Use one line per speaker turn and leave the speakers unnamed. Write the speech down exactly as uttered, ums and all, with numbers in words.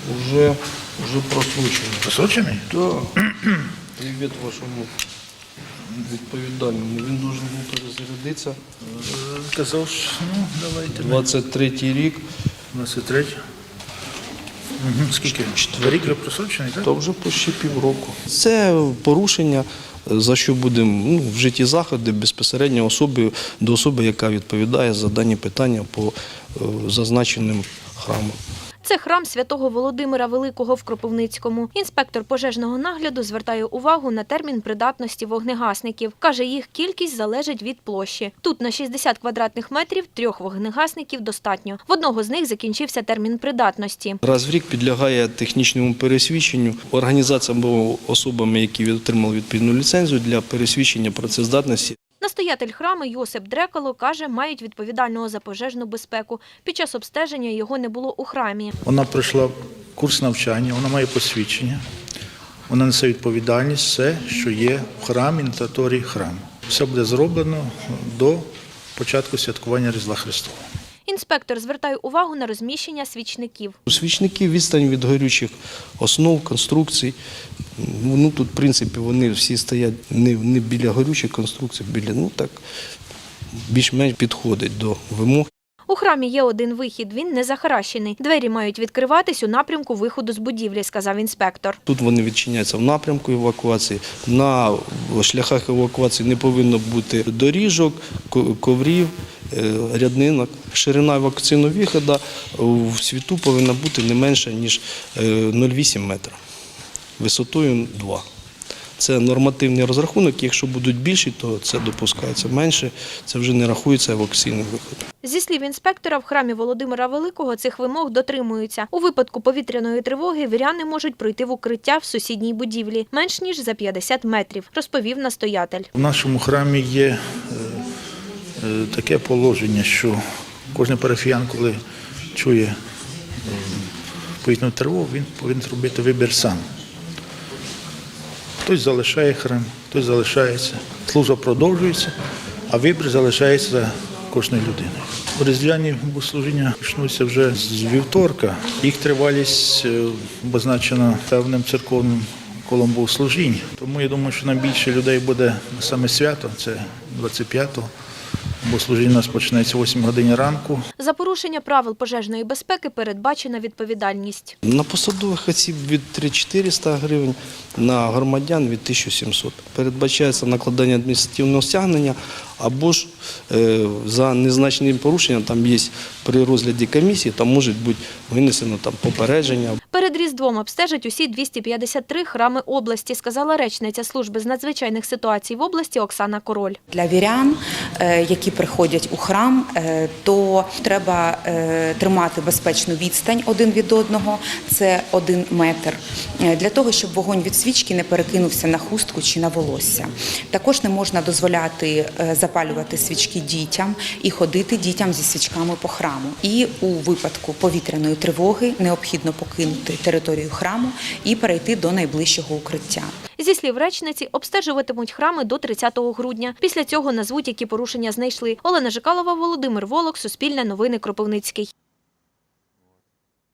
Уже, уже просрочений.
Просрочений?
Так. Привіт вашому відповідальному. Він дуже був перезарядитися.
Казав, що, ну, давайте.
двадцять третій рік.
двадцять третій. Угу. Скільки? Рік вже просрочений, так?
Та вже почти півроку. Це порушення, за що будемо ну, вжиті заходи безпосередньо особи, до особи, яка відповідає за дані питання по е, зазначеним храмам.
Це храм святого Володимира Великого в Кропивницькому. Інспектор пожежного нагляду звертає увагу на термін придатності вогнегасників. Каже, їх кількість залежить від площі. Тут на шістдесят квадратних метрів трьох вогнегасників достатньо. В одного з них закінчився термін придатності.
Раз в рік підлягає технічному пересвідченню організаціям або особами, які отримали відповідну ліцензію для пересвідчення працездатності.
Настоятель храму Йосип Дрекало каже, мають відповідального за пожежну безпеку. Під час обстеження його не було у храмі.
Вона пройшла курс навчання, вона має посвідчення, вона несе відповідальність, все, що є в храмі, на території храму. Все буде зроблено до початку святкування Різдва Христового.
Інспектор звертає увагу на розміщення свічників.
У свічників відстань від горючих основ, конструкцій. Ну, тут, в принципі, вони всі стоять не, не біля горючих конструкцій, біля, ну так, більш-менш підходить до вимог.
У храмі є один вихід, він не захаращений. Двері мають відкриватись у напрямку виходу з будівлі, сказав інспектор.
Тут вони відчиняються в напрямку евакуації. На шляхах евакуації не повинно бути доріжок, коврів, ряднинок. Ширина евакуаційного виходу в світу повинна бути не менша, ніж нуль цілих вісім метра, висотою два. Це нормативний розрахунок, якщо будуть більші, то це допускається менше, це вже не рахується евакуаційний виход.
Зі слів інспектора, в храмі Володимира Великого цих вимог дотримуються. У випадку повітряної тривоги віряни можуть пройти в укриття в сусідній будівлі, менш ніж за п'ятдесят метрів, розповів настоятель.
У нашому храмі є таке положення, що кожен парафіян, коли чує повітряну тривогу, він повинен робити вибір сам. Хтось залишає храм, хтось залишається. Служба продовжується, а вибір залишається за кожною людиною. Різдвяні богослужіння почнуться вже з вівторка. Їх тривалість обозначена певним церковним колом богослужінь. Тому я думаю, що найбільше людей буде саме свято, це двадцять п'ятого. Богослужіння у нас починається о восьмій годині ранку.
За порушення правил пожежної безпеки передбачена відповідальність.
На посадових осіб від три тисячі чотириста гривень, на громадян від тисячі сімсот. Передбачається накладання адміністративного стягнення або ж е, за незначним порушенням, там є при розгляді комісії, там може бути винесено там, попередження.
Перед Різдвом обстежать усі двісті п'ятдесят три храми області, сказала речниця служби з надзвичайних ситуацій в області Оксана Король.
Для вірян, які приходять у храм, то треба тримати безпечну відстань один від одного, це один метр, для того, щоб вогонь від свічки не перекинувся на хустку чи на волосся. Також не можна дозволяти запалювати свічки дітям і ходити дітям зі свічками по храму. І у випадку повітряної тривоги необхідно покинути територію храму і перейти до найближчого укриття.
Зі слів речниці, обстежуватимуть храми до тридцятого грудня. Після цього назвуть, які порушення знайшли. Олена Жикалова, Володимир Волок, Суспільне новини, Кропивницький.